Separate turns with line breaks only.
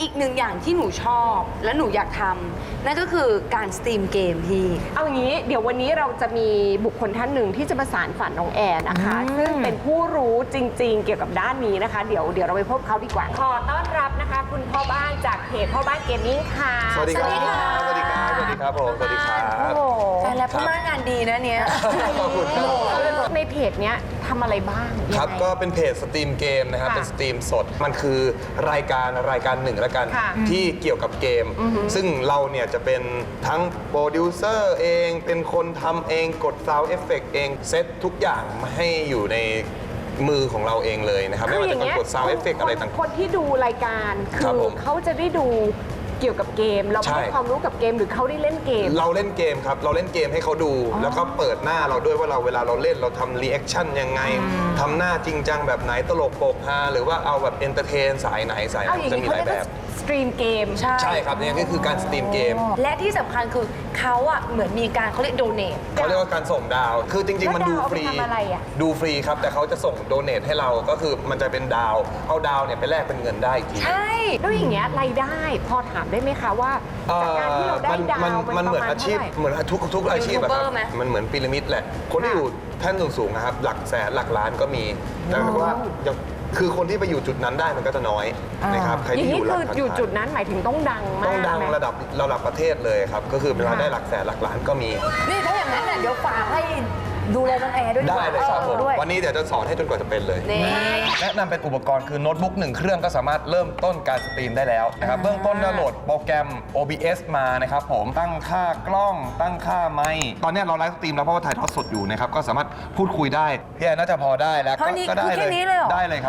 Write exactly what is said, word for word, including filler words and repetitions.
อีกหนึ่งอย่างที่หนูชอบและหนูอยากทำนั่นก็คือการสตรีมเกมพี่
เอาอย่างนี้เดี๋ยววันนี้เราจะมีบุคคลท่านหนึ่งที่จะมาสานฝันน้องแอนนะคะซึ่งเป็นผู้รู้จริงๆเกี่ยวกับด้านนี้นะคะเดี๋ยวเดี๋ยวเราไปพบเขาดีกว่าขอต้อนรับนะคะคุณพ่อบ้านจากเพจพ่อบ้านเกมมิ่งค่ะ
สวัสดีครับ สวัสดีครับ สวัสดีครับผม สวัสดีครับ
โอ้โห
แต่แล้วพ่อบ้านงานดีนะเนี้ย
ขอบคุณครับ
ในเพจเนี้ยทำอะไรบ้าง
ครับ
ยังไง
ก็เป็นเพจสตรีมเกมนะครับ
ค่ะ
เป็นสตรีมสด มันคือรายการรายการหนึ่งแล้วกัน
ค่ะ
ที่เกี่ยวกับเกม ซึ่งเราเนี่ยจะเป็นทั้งโปรดิวเซอร์เอง เป็นคนทำเอง กดซาวด์เอฟเฟกต์เอง เซตทุกอย่างมาให้อยู่ในมือของเราเองเลยนะครับ ไม่ว่าจะเป็นกดซาวด์เอฟเฟกต์อะไรต่างๆ
คนที่ดูรายการคื
ครับ
อ
ผม
เขาจะได้ดูเกี่ยวกับเกม เรา
ใช่
ให้ความรู้กับเกมหรือเขาได้เล่นเกม
เราเล่นเกมครับ เราเล่นเกมให้เขาดู แล้วก็เปิดหน้าเราด้วยว่าเราเวลาเราเล่นเราทำรีแอคชั่นยังไงทำหน้าจริงจังแบบไหนตลกโปกฮาหรือว่าเอาแบบเอนเตอร์เทนสายไหนสายไห
เอา
น
อย่าง
จะ
นี้
มี
เขา
หลาย
เรียก
แบ
ว่า
บ
สตรีมเกม
ใช่
ใช่ครับเนี่ยก็คือการสตรีมเกม
และที่สำคัญคือเขาอ่ะเหมือนมีการเขาเรียกโดเนท
เขาเรียกว่าการส่งดาว คือจริง ๆ มันดูฟรี
แล้วดาวเอาไปทำอะไรอะ
ดูฟรีครับ แต่เขาจะส่งโดเนทให้เรา ก็คือมันจะเป็นดาว เอาดาวเนี่ยไปแลกเป็นเงินได้อีกที
ใช่
แล้วอย่างเงี้ยรายได้พอถามได้ไหมคะว่าจากการที่เราได้
มัน
ดาว
มัน
มัน
มันเหมือน
ประมาณ
อาชีพ
เท่าไหร่
เหมือนทุกทุกอาชีพอะครับ
ยูทูบเบอร์ไหม
มันเหมือนพีระมิดแหละ คนที่
ค่ะ
อยู่แท่นสูงๆนะครับ หลักแสนหลักล้านก็มี แต่ว่ายังคือคนที่ไปอยู่จุดนั้นได้มันก็จะน้อยนะครับ ใคร
อย่าง
ที่อ
นี้
ยู่หลั
คื
ก
อ
พัน
อยู่จุดนั้นหมายถึงต้องดังมาก
ต้องดัง
ไหม
ระดับระดับประเทศเลยครับ ก็คือเวลาได้หลักแสนหลักล้านก็มี
นี่ถ้าอย่างนั้นเนี่ยเดี๋ยวฝากให้ดูแลน้องแอร์ด้วย
ได้เลยครับผม
ด้วย
วันนี้เดี๋ยวจะสอนให้จนกว่าจะเป็นเลย
นี่
แนะนำเป็นอุปกรณ์คือโน้ตบุ๊กหนึ่งเครื่องก็สามารถเริ่มต้นการสตรีมได้แล้วนะครับเบื้องต้นเราโหลดโปรแกรม โอ บี เอส มานะครับผมตั้งค่ากล้องตั้งค่าไมค์ตอนนี้เราไลฟ์สตรีมแล้วเพราะว่าถ่ายทอดสดอยู่นะครับก็สามารถพูดคุยได้พี่แอนน่าจะพอได้แล้ว
เท่านี้
ก็ได้
คือแค่นี้เลยเหรอ
ได้เลยครับ